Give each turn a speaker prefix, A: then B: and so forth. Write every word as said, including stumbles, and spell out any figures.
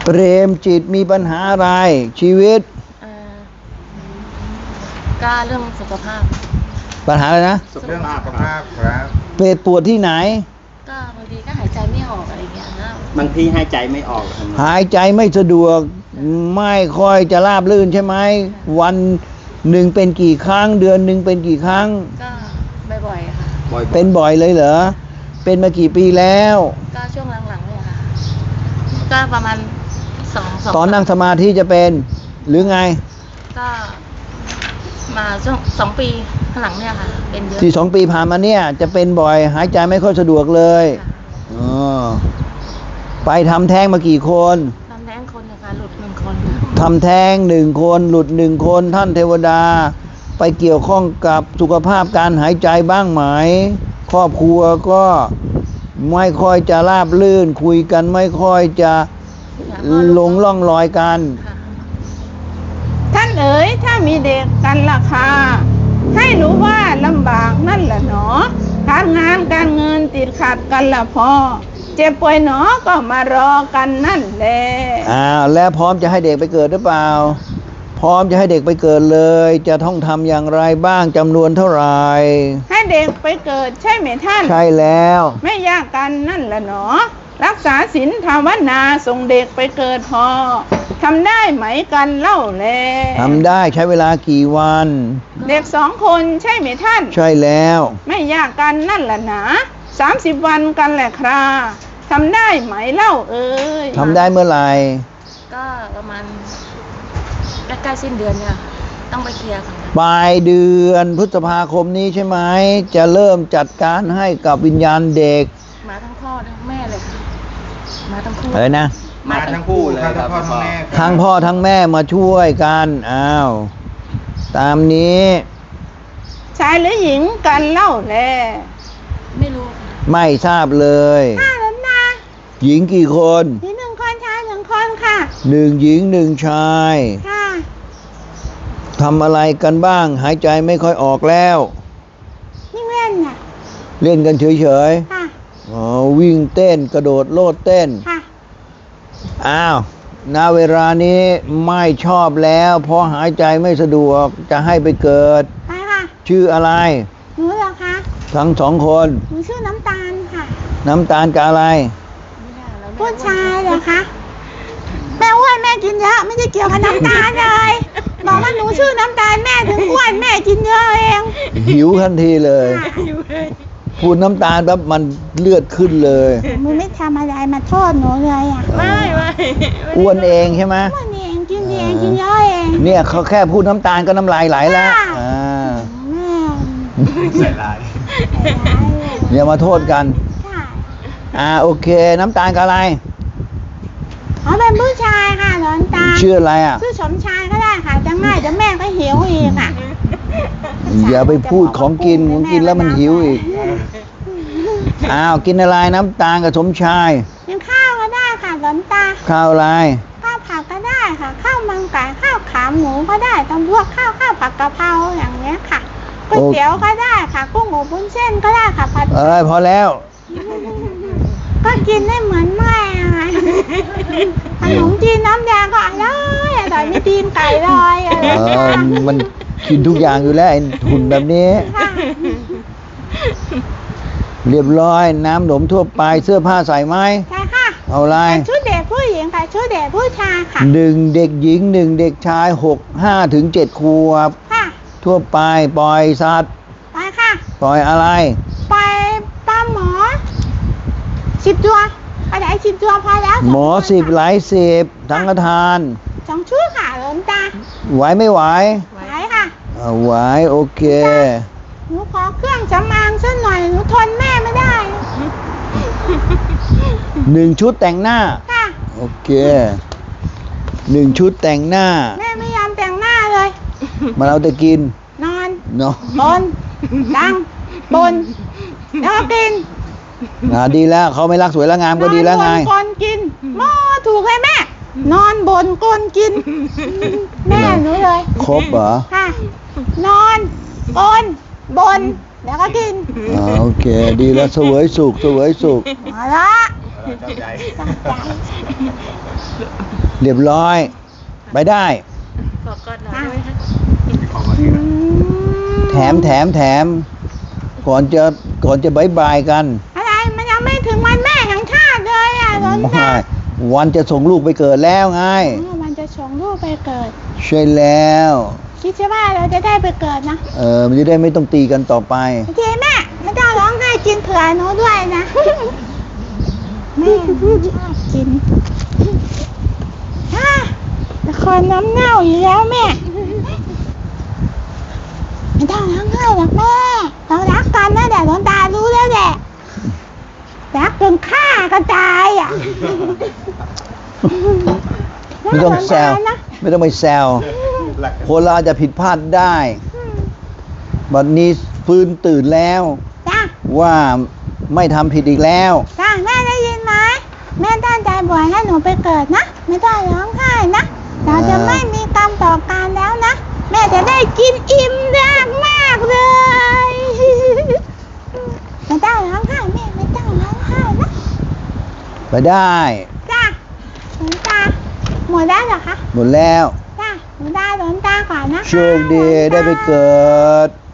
A: เปรมจิตมีปัญหาอะไรชีวิต
B: ก็เรื่องสุขภาพ
A: ปัญหาอะไรนะ
C: เรื่องสุขภาพครับ
A: เป็ดปวดที่ไหน
B: ก็บางทีก็หายใจไม่ออกอะไรเงี้ยนะ
D: บางทีหายใจไม่ออก
A: หายใจไม่สะดวกไม่ค่อยจะราบรื่นใช่ไหมวันหนึ่งเป็นกี่ครั้งเดือนหนึ่งเป็นกี่ครั้ง
B: ก็บ่อยๆค่ะ
A: เป็นบ่อยเลยเหรอเป็นมากี่ปีแล้ว
B: ก็ช่วงหลังๆเนี่ยค่ะก็ประมาณสองสอง
A: ตอนนั่งสมาธิจะเป็นหรือไง
B: ก็มาช่วงสองปีข้างหลังเนี่ยค่ะเป็นเยอะ
A: ที่สองปีผ่านมาเนี่ยจะเป็นบ่อยหายใจไม่ค่อยสะดวกเลยอ๋อไปทำแท้งมากี่คน
B: ทำแท้งคนนะคะหลุดหนึ่งคน
A: ทำแท้งหนึ่งคนหลุดหนึ่งคนท่านเทวดาไปเกี่ยวข้องกับสุขภาพการหายใจบ้างไหมครอบครัวก็ไม่ค่อยจะราบรื่นคุยกันไม่ค่อยจะลงล่องรอยกัน
E: ท่านเอ๋ยถ้ามีเด็กกันล่ะค่ะให้รู้ว่าลำบากนั่นแหละหนอการงานการเงินติดขัดกันละพอเจ็บป่วยหนอก็มารอกันนั่นแหละ
A: อ้าวแล้วพร้อมจะให้เด็กไปเกิดหรือเปล่าพร้อมจะให้เด็กไปเกิดเลยจะต้องทำอย่างไรบ้างจำนวนเท่าไหร่
E: ให้เด็กไปเกิดใช่ไหมท่าน
A: ใช่แล้ว
E: ไม่ยากกันนั่นแหละหนอรักษาศีลภาวนาส่งเด็กไปเกิดพอทำได้ไหมกันเล่าแล
A: ทำได้ใช้เวลากี่วัน
E: เด็กสองคนใช่ไหมท่าน
A: ใช่แล้ว
E: ไม่ยากกันนั่นแหละนะสามสิบวันกันแหละคราทำได้ไหมเล่าเอ้ย
A: ทำได้เมื่อไหร่
B: ก็ประมาณใกล้ๆสิ้นเดือนเนี่ยต้องไปเคลียร์ค่ะ
A: ปลายเดือนพฤษภาคมนี้ใช่ไหมจะเริ่มจัดการให้กับวิญญาณเด็ก
B: มาทั้งพ่อทั้งแม่เลยค่ะมาทั้งคู่
A: อะไรนะ
C: มาทั้งคู่เลยทั้งพ่อทั้งแม่
A: ทั้งพ่อทั้งแม่มาช่วยกันอ้าวตามนี้
E: ชายหรือหญิงกันเล่าแล
B: ไม่รู้
A: ไม่ทราบเลย
E: ค่ะแล้วนะ
A: หญิงกี่คน
E: หญิงหนึ่งคนชายหนึ่งคนค่ะ
A: หนึ่งหญิงหนึ่งชาย
E: ค่ะ
A: ทำอะไรกันบ้างหายใจไม่ค่อยออกแล้ว
E: ยิ่งเล่นน่ะ
A: เล่นกันเฉย
E: ๆค่ะ
A: อ๋อวิ่งเต้นกระโดดโลดเต้น
E: ค่ะ
A: อ้าวณเวลานี้ไม่ชอบแล้วเพราะหายใจไม่สะดวกจะให้ไปเกิด
E: ไปค่ะ
A: ชื่ออะไร
E: หนูเหรอคะ
A: ทั้งสองคน
E: หนูชื่อน้ำตาลค่ะ
A: น้ำตาลกับอะไร
E: ผู้ชายเหรอคะแม่อ้วนแม่กินเยอะไม่ได้เกี่ยวกับน้ำตาลเลยบอกว่าหนูชื่อน้ำตาลแม่ถึงอ้วนแม่กินเยอะเอง
A: หิวทันทีเลยพูดน้ำตาลแบบมันเลือดขึ้นเลย
E: มึงไม่ทำอะไรมาโทษหนูเลยอ่ะ
B: ไม่ไม่
A: อ้วนเองใช่ไหม
E: อ้วนเองกินเองกินเยอะเอง
A: เนี่ยเขาแค่พูดน้ำตาลก็น้ำลายไหลแล้วอ่า
C: ใส่ลาย
A: อย่ามาโทษกันอ่าโอเคน้ำตาลกับอะไร
E: เขาเป็นผู้ชายค่ะหลวงตา
A: ชื่ออะไรอ่ะ
E: ชื่อสมชายก็ได้ค่ะจะง่ายจะแม่ก็หิวอีกอ่ะ
A: อย่าไปพูดของกินของกินแล้วมันหิวอีกอ้าวกินอะไรน้ำตาลกับสมชาย
E: กินข้าวก็ได้ค่ะหลวงตา
A: ข้าวอะไร
E: ข้าวผักก็ได้ค่ะข้าวมันไก่ข้าวขาหมูก็ได้ต้องพวกข้าวข้าวผักกะเพราอย่างเงี้ยค่ะก๋วยเตี๋ยวก็ได้ค่ะกุ้งอบวุ้นเส้นก็ได้ค่ะผัด
A: เอ้ยพอแล้ว
E: ก็กินได้เหมือนแม่ขนมจีนน้ำยาก็อร่อยอร่อยไม่ตีนไก่เลยอะไร
A: มันกินทุกอย่างอยู่แล้วไอ้หุ่นแบบนี้เรียบร้อยน้ำหนมทั่วไปเสื้อผ้าใส่ไหม
E: ใช่ค่ะ
A: เอาอะไร
E: ชุดเด็กผู้หญิงกับชุดเด็กผู้ชายค่ะ
A: หนึ่งเด็กหญิงหนึ่งเด็กชายหกห้าถึงเจ็ดขวบ
E: ค่ะ
A: ทั่วไปปล่อยสัตว์
E: ไปค่ะ
A: ปล่อยอะไร
E: ไปปลาหมอสิบตัวอะไรสิบตัวพอแล้ว
A: หมอสิบหลายสิบทั้งกระทาน
E: สองชุดค่ะหลวงตา
A: ไหวไม่ไหว
E: ไหวค่ะ
A: ไหวโอเค
E: หนูขอเครื่องสำอางสักหน่อยหนูทนแม่ไม่ได้
A: หนึ่งชุดแต่งหน้า
E: ค่ะ
A: โอเคหนึ่งชุดแต่งหน้า
E: แม่ไม่ยอมแต่งหน้าเลย
A: มาเราแต่กิน
E: นอน
A: นอน
E: บนดังบนแล้วก็กิน
A: อ่าดีแล้วเขาไม่รักสวยแล้วงามก็ดีแล้วไง
E: นอนบนก้นกินหม้อถูกเลยแม่นอนบนก้นกินแม่หนูเลย
A: ครบเหรอ
E: ค่ะนอนก้นบนแล้วก็กิน
A: อ่าโอเคดีแล้วเสวยสุขเสวยสุข
E: มาละ
C: ชอบใจ
E: ชอบใจ
A: เรียบร้อย ไปได้
B: ขอกอดหน่อยได้ไหมคะ
C: ขอบคุณ
E: อืม
A: แถมแถมแถม ก่อนจะก่อนจะบายบายกัน
E: อะไรมันยังไม่ถึงวันแม่แห่งชาติเลยอ่ะหลวง
A: ไม่
E: ตา
A: วันจะส่งลูกไปเกิดแล้วไง
E: อ๋อมันจะส่งลูกไปเกิด
A: ใช่แล้ว
E: คิดใช่ว่าเราจะได้ไปเกิดนะ
A: เออมันจะได้ไม่ต้องตีกันต่อไป
E: โอเคแม่ไม่ต้องร้องไห้กินเผื่อหนูด้วยนะ แม่ชอบกินอ่ะละครน้ำเน่าอยู่แล้วแม่ ไม่ต้องร้องไห้หรอกแม่เรารักกันนะแต่หลวงตารู้แล้วแหละรักจนฆ่ากันตายอ่ะ
A: ไม่ต้องแซว
E: นะ
A: ไม่ต้องไปแซว
C: หลัก
A: คนเราอาจจะผิดพลาดได้
E: อืม
A: บัดนี้ฟื้นตื่นแล้ว
E: จ้า
A: ว่าไม่ทำผิดอีกแล้ว
E: จ้าแม่ได้ยินไหมแม่ตั้งใจบวชให้หนูไปเกิดนะไม่ต้องร้องไห้นะเราจะไม่มีกรรมต่อกันแล้วนะแม่จะได้กินอิ่มมากมากๆเลย ไม่ต้องร้องไห้แม่ไม่ต้องร้องไห้นะ
A: ไปได้
E: จ้าหลวงตาหมดแล้วเหรอคะ
A: หมดแล้ว
E: จ้าหลวงตาหลวงตาก่อนนะคะ
A: โชคดีได้ไปเกิด